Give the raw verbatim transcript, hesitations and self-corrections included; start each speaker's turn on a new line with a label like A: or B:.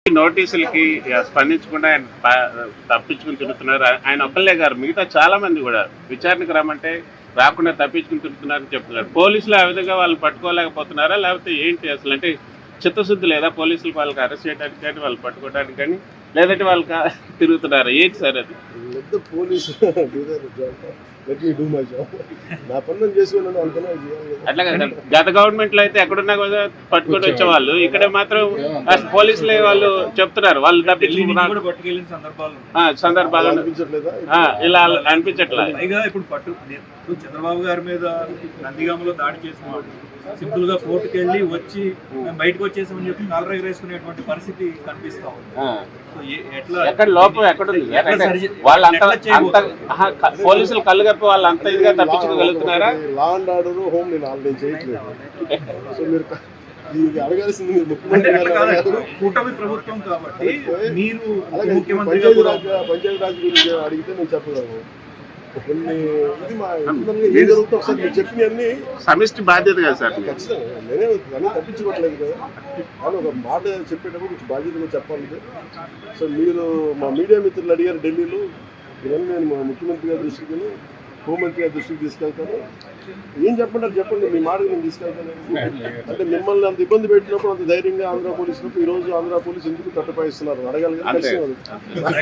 A: నోటీసులకి స్పందించకుండా ఆయన ప- తప్పించుకుని తిరుగుతున్నారు. ఆయన ఒక్కళ్ళే గారు, మిగతా చాలా మంది కూడా విచారణకు రమ్మంటే రాకుండా తప్పించుకుని తిరుగుతున్నారని చెప్తున్నారు. పోలీసులు ఆ విధంగా వాళ్ళు పట్టుకోలేకపోతున్నారా, లేకపోతే ఏంటి అసలు? అంటే చిత్తశుద్ధి లేదా పోలీసులు వాళ్ళకి అరెస్ట్ చేయడానికి కానీ వాళ్ళు పట్టుకోవడానికి కానీ, లేదంటే వాళ్ళు కా- తిరుగుతున్నారా? ఏంటి సార్ అది?
B: Let the police do their job. Let me do my job. నా పని నేను చేసుకున్నాను అనుకున్నా చేయాలి.
A: అట్లా కదా, గత గవర్నమెంట్ లో అయితే ఎక్కడున్నా కూడా పట్టుకొని వచ్చేవాళ్ళు. ఇక్కడ మాత్రం పోలీసులే వాళ్ళు చెప్తున్నారు వాళ్ళు తప్పించుకున్నారు
C: పట్టుకెళ్ళిన సందర్భాలు
A: సందర్భాలు
B: అనిపించట్లేదా?
A: ఆ, ఇలా అనిపించట్లేదు.
C: పైగా ఇప్పుడు పట్టు ఇప్పుడు చంద్రబాబు గారి మీద నందిగామలో దాడి చేసిన వాళ్ళు సింపుల్ గా కోర్టుకు వెళ్ళి వచ్చి మేము బయటకు వచ్చేసామని చెప్పి కాలర్ ఎగరేసుకునేటువంటి పరిస్థితి కనిపిస్తా ఉంది. సో ఏ- ఎట్లా
A: ఎక్కడ లోపం ఎక్కడుంది?
C: ఎట్లా సరి-
A: వాళ్ళు అంత
C: ఎట్లా
A: అంత
C: చేయబోతున్నారు?
A: ఆహా, క- పోలీసులు కళ్ళు కప్పి వాళ్ళు అంత ఇదిగా తప్పించుకోగలుగుతున్నారా?
B: లా అండ్ ఆర్డర్ హోమ్ నేను ఆల్రెడీ చేయట్లేదు. సో మీరు క- ఇది అడగాల్సింది మీరు
C: అంటే
B: ముఖ్యమంత్రి
C: అట్లా
B: గారు
C: కాదు,
B: అడగారు.
C: కూటమి ప్రభుత్వం కాబట్టి మీరు
B: అలాగే
C: ముఖ్యమంత్రిగా
B: పంచాయతీ
C: కూడా
B: రాజ్ పంచాయతీ రాజ్ గురించి అడిగితే నేను చెప్పగలను. కొన్ని ఇది మా ఇంటర్నల్గా ఏం జరుగుతుందో ఒకసారి మీరు చెప్పినవన్నీ
A: సమిష్టి బాధ్యత కదా సార్.
B: ఖచ్చితంగా నేనే అన్నీ తప్పించుకోవట్లేదు కదా. కానీ ఒక మాట చెప్పేటప్పుడు కొంచెం బాధ్యతగా చెప్పాలి. సో మీరు మా మీడియా మిత్రులు అడిగారు ఢిల్లీలో, ఇవన్నీ నేను మా ముఖ్యమంత్రి గారి దృష్టికి హోంమంత్రి గారి దృష్టికి తీసుకెళ్తాను. ఏం చెప్పంటారు చెప్పండి, మీ మాటకు నేను తీసుకెళ్తాను. అంటే మిమ్మల్ని అంత ఇబ్బంది పెట్టినప్పుడు అంత ధైర్యంగా ఆంధ్ర పోలీసులకు ఈరోజు ఆంధ్ర పోలీసు ఎందుకు తట్టుపాయిస్తున్నారు అడగాలి కదా.
A: అంతే.
B: ఖచ్చితంగా